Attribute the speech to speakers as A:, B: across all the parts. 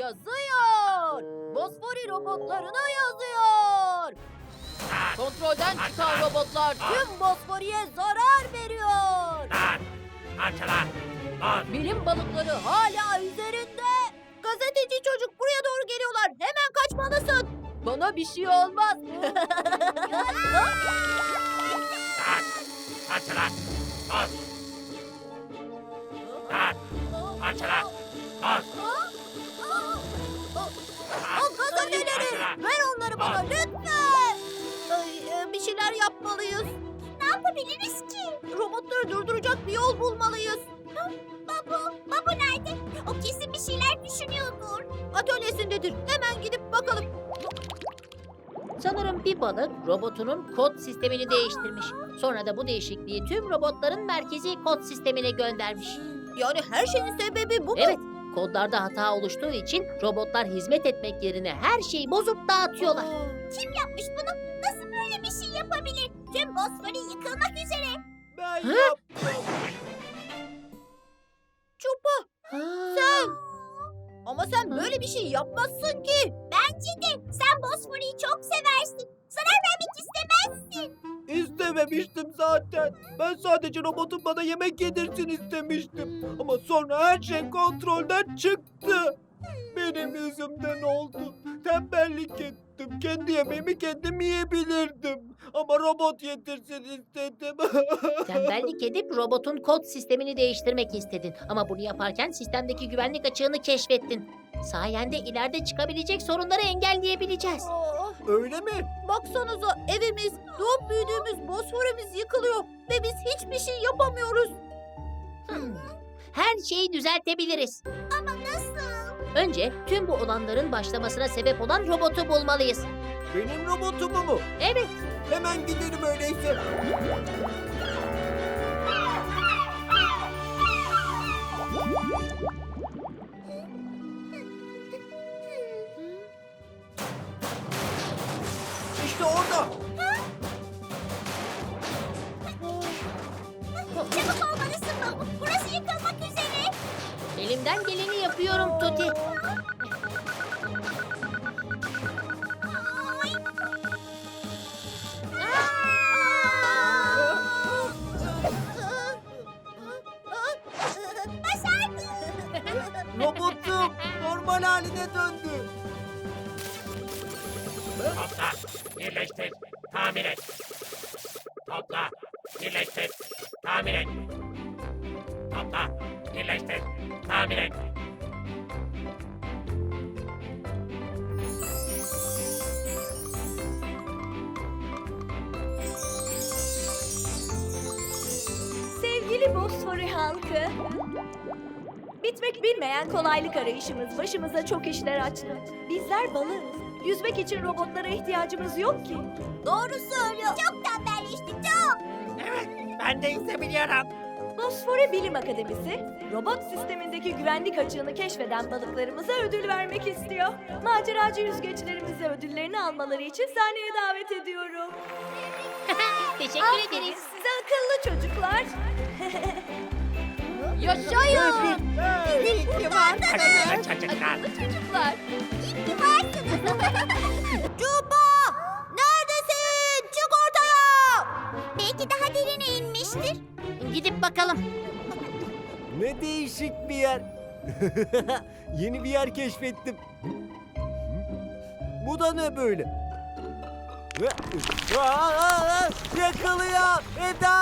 A: Yazıyor. Bosfori robotlarına yazıyor. Kontrolden çıkan robotlar tüm Bosfori'ye zarar veriyor.
B: Parçalar. Boz.
A: Bilim balıkları hala üzerinde. Gazeteci çocuk buraya doğru geliyorlar. Hemen kaçmalısın. Bana bir şey olmaz.
B: Parçalar. Boz. Parçalar. Boz.
A: O gazeteleri ver onları bana lütfen. Bir şeyler yapmalıyız. Ne yapabiliriz ki? Robotları durduracak bir yol bulmalıyız. Babu nerede? O kesin bir şeyler düşünüyordur. Atölyesindedir. Hemen gidip bakalım.
C: Sanırım bir balık robotunun kod sistemini değiştirmiş. Sonra da bu değişikliği tüm robotların merkezi kod sistemine göndermiş.
A: Yani her şeyin sebebi bu mu?
C: Evet, kodlarda hata oluştuğu için robotlar hizmet etmek yerine her şeyi bozup dağıtıyorlar.
A: Kim yapmış bunu? Nasıl böyle bir şey yapabilir? Tüm Bosfori yıkılmak üzere.
D: Ben
C: Hı?
D: yaptım.
A: Çupa, sen. Ama sen böyle bir şey yapmazsın ki. Bence de. Sen Bosfori'yi çok seversin. Zarar vermek istemezsin.
D: İstememiştim zaten. Ben sadece robotun bana yemek yedirsin istemiştim. Ama sonra her şey kontrolden çıktı. Benim yüzümden oldu. Tembellik ettim. Kendi yemeğimi kendim yiyebilirdim. Ama robot yedirsin istedim.
C: Tembellik edip robotun kod sistemini değiştirmek istedin. Ama bunu yaparken sistemdeki güvenlik açığını keşfettin. Sayende ileride çıkabilecek sorunları engelleyebileceğiz.
D: Öyle mi?
A: Baksanıza evimiz, doğup büyüdüğümüz Bosfor'umuz yıkılıyor. Ve biz hiçbir şey yapamıyoruz.
C: Her şeyi düzeltebiliriz.
A: Ama nasıl?
C: Önce tüm bu olanların başlamasına sebep olan robotu bulmalıyız.
D: Benim robotumu mu?
C: Evet,
D: Hemen gidelim öyleyse. İşte orada.
A: Çabuk olmalısın Babu. Burası yıkılmak üzere.
C: elimden geleni yapıyorum Tuti.
D: Robotum normal haline döndü.
B: Topla. Birleştir. Tamir et. Topla. Birleştir. Tamir et. Topla. Birleştir. Tamir et.
E: Sevgili Bosfori halkı, bitmek bilmeyen kolaylık arayışımız başımıza çok işler açtı. Bizler balığız. Yüzmek için robotlara ihtiyacımız yok ki.
A: Doğru söylüyor. Çok tembelleştik çok.
B: Ben de hissebiliyorum.
E: Bosfori Bilim Akademisi, robot sistemindeki güvenlik açığını keşfeden balıklarımıza ödül vermek istiyor. Maceracı yüzgeçlerimize ödüllerini almaları için sahneye davet ediyorum.
C: Teşekkür
E: Aferin
C: ederiz.
E: size akıllı çocuklar.
A: Yaşayın.
D: İyi ki varsınız.
B: Çocuklar.
A: Çocuklar. İyi ki varsınız. Cuba! Neredesin? Çık ortaya. Belki daha derine inmiştir.
C: Gidip bakalım.
D: Ne değişik bir yer. Yeni bir yer keşfettim. Bu da ne böyle? Yakalıyor Eda!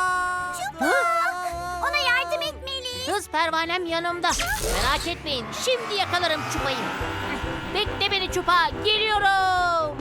A: Ona yardım etmeliyiz.
C: Hız pervanem yanımda. Merak etmeyin, şimdi yakalarım Çupa'yı. Bekle beni Çupa, geliyorum.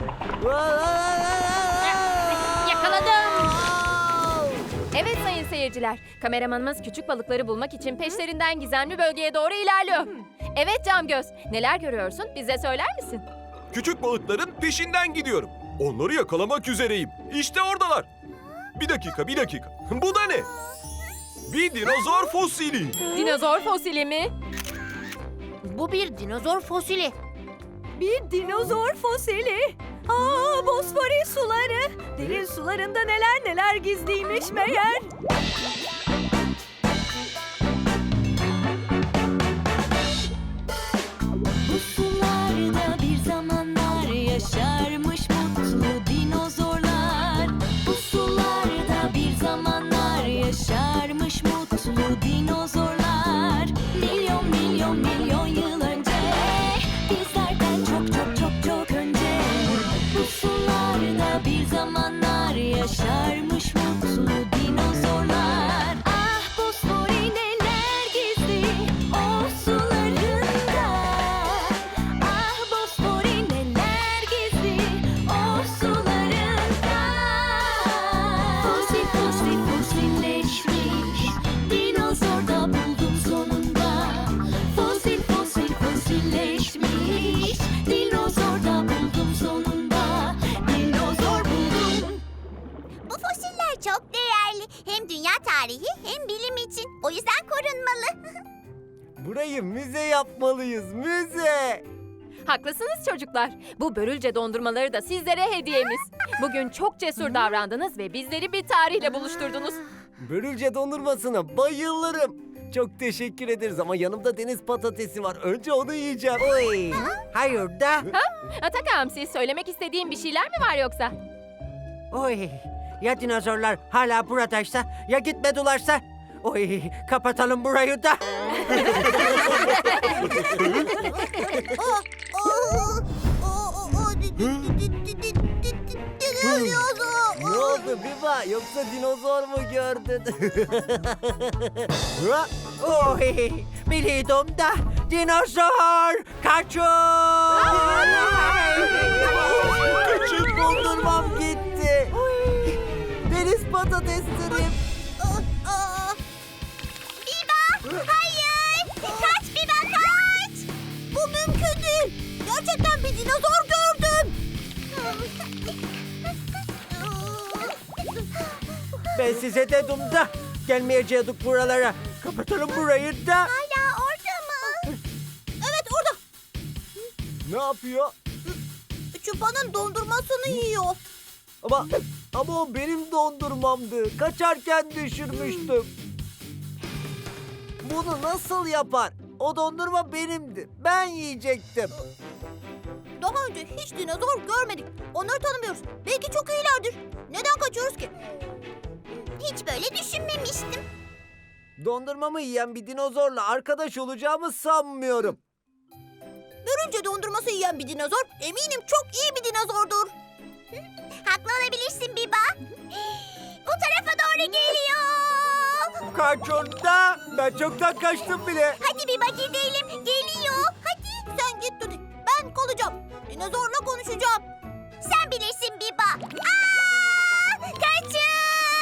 C: Yakaladım.
F: Evet sayın seyirciler, kameramanımız küçük balıkları bulmak için peşlerinden gizemli bölgeye doğru ilerliyor. Evet Camgöz, neler görüyorsun? Bize söyler misin?
G: Küçük balıkların peşinden gidiyorum. Onları yakalamak üzereyim. İşte oradalar. Bir dakika, bir dakika. Bu da ne? Bir dinozor fosili.
F: Dinozor fosili mi?
C: Bu bir dinozor fosili.
E: Bir dinozor fosili. Aa, Bosfori suları. Derin sularında neler neler gizliymiş meğer. Bu
D: burayı müze yapmalıyız, müze.
F: Haklısınız çocuklar. Bu börülce dondurmaları da sizlere hediyemiz. Bugün çok cesur davrandınız ve bizleri bir tarihle buluşturdunuz.
D: Börülce dondurmasına bayılırım. Çok teşekkür ederiz ama yanımda deniz patatesi var. Önce onu yiyeceğim. Oy. Hayır da.
F: Atak Hamsi, söylemek istediğin bir şeyler mi var yoksa?
H: Oy, ya dinozorlar hala buradaysa, ya gitmedilerse? Oy, kapatalım burayı da.
D: Ne oldu Biba? Yoksa dinozor mu gördün? Ha?
H: Oy, biliyordum da dinozor kaçın!
D: Küçük dondurmam gitti. Deniz patateslerim.
A: Biba! Hayır! Kaç Biba kaç! Bu mümkün değil. Gerçekten bir dinozor gördüm.
H: Ben size dedim da gelmeyecektik buralara. Kapatalım burayı da.
A: Hala orada mı? Evet orada.
D: Ne yapıyor?
A: Çupa'nın dondurmasını yiyor.
D: Ama o benim dondurmamdı. Kaçarken düşürmüştüm. Bunu nasıl yapar? O dondurma benimdi. Ben yiyecektim.
A: Daha önce hiç dinozor görmedik. Onları tanımıyoruz. Belki çok iyilerdir. Neden kaçıyoruz ki? Hiç böyle düşünmemiştim.
D: Dondurmamı yiyen bir dinozorla arkadaş olacağımı sanmıyorum.
A: Börülce dondurması yiyen bir dinozor eminim çok iyi bir dinozordur. Haklı olabilirsin Biba. Bu tarafa doğru geliyor.
D: Kaçın da. Ben çoktan kaçtım bile.
A: Hadi Biba gidelim. Geliyor. Hadi. Sen git Tuti. Ben kalacağım. Dinozorla konuşacağım. Sen bilirsin Biba. Aa! Kaçın.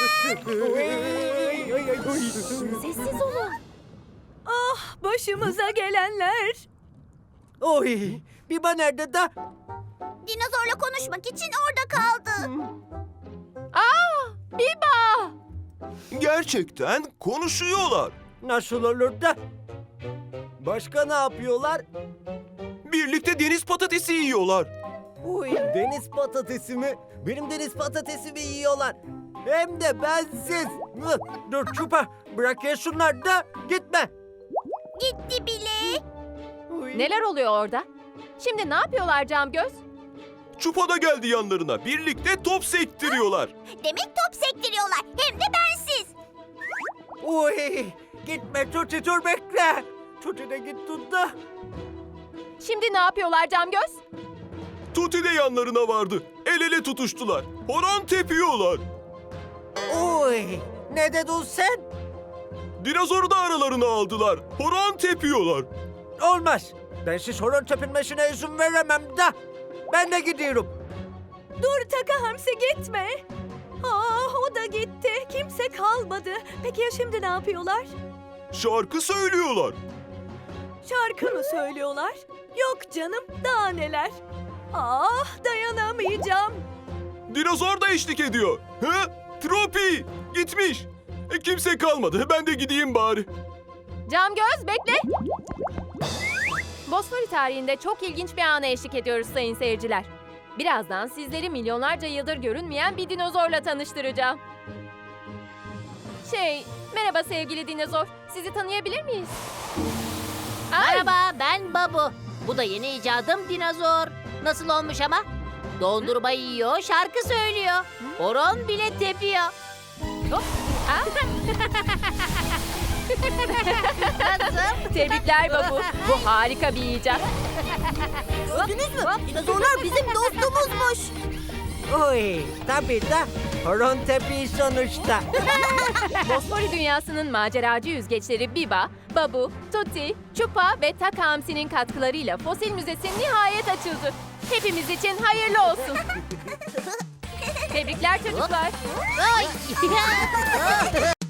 F: Sessiz olun.
E: Başımıza gelenler.
H: Oy, Biba nerede da?
A: Dinozorla konuşmak için orada kaldı.
F: Biba!
G: Gerçekten konuşuyorlar.
H: Nasıl olur da?
D: Başka ne yapıyorlar?
G: Birlikte deniz patatesi yiyorlar.
D: Deniz patatesi mi? Benim deniz patatesimi yiyorlar. Hem de bensiz.
H: Dur Çupa, bırak yesinler da gitme.
A: Gitti bile.
F: Neler oluyor orada? Şimdi ne yapıyorlar Camgöz?
G: Çupa da geldi yanlarına. Birlikte top sektiriyorlar.
A: Demek top sektiriyorlar. Hem de bensiz.
H: Oy, gitme Tuti, dur bekle. Tuti de gitti da.
F: Şimdi ne yapıyorlar Camgöz?
G: Tuti de yanlarına vardı. El ele tutuştular. Horon tepiyorlar.
H: Oy, ne dedin sen?
G: Dinozoru da aralarına aldılar. Horon tepiyorlar.
H: Olmaz. Ben siz horon tepinmesine izin veremem da. Ben de gidiyorum.
E: Dur Taka Hamsi gitme. O da gitti. Kimse kalmadı. Peki ya şimdi ne yapıyorlar?
G: Şarkı söylüyorlar.
E: Şarkı mı söylüyorlar? Yok canım, daha neler. Dayanamayacağım.
G: Dinozor da eşlik ediyor. Hı? Tropi gitmiş. Kimse kalmadı. Ben de gideyim bari.
F: Camgöz bekle. Bosfori tarihinde çok ilginç bir ana eşlik ediyoruz sayın seyirciler. Birazdan sizleri milyonlarca yıldır görünmeyen bir dinozorla tanıştıracağım. Merhaba sevgili dinozor. Sizi tanıyabilir miyiz?
C: Merhaba, ben Babu. Bu da yeni icadım dinozor. Nasıl olmuş ama? Dondurma yiyor, şarkı söylüyor. Horon bile tepiyor. Hop. Nasıl?
F: Tebrikler Babu. Bu harika bir icat.
A: Gördünüz mü? Dinozorlar bizim dostumuzmuş.
H: Oy, tabii da horon tepi sonuçta.
F: Bosfori dünyasının maceracı yüzgeçleri Biba, Babu, Tuti, Çupa ve Taka Hamsi'nin katkılarıyla Fosil Müzesi nihayet açıldı. Hepimiz için hayırlı olsun. Tebrikler çocuklar.
C: Ay.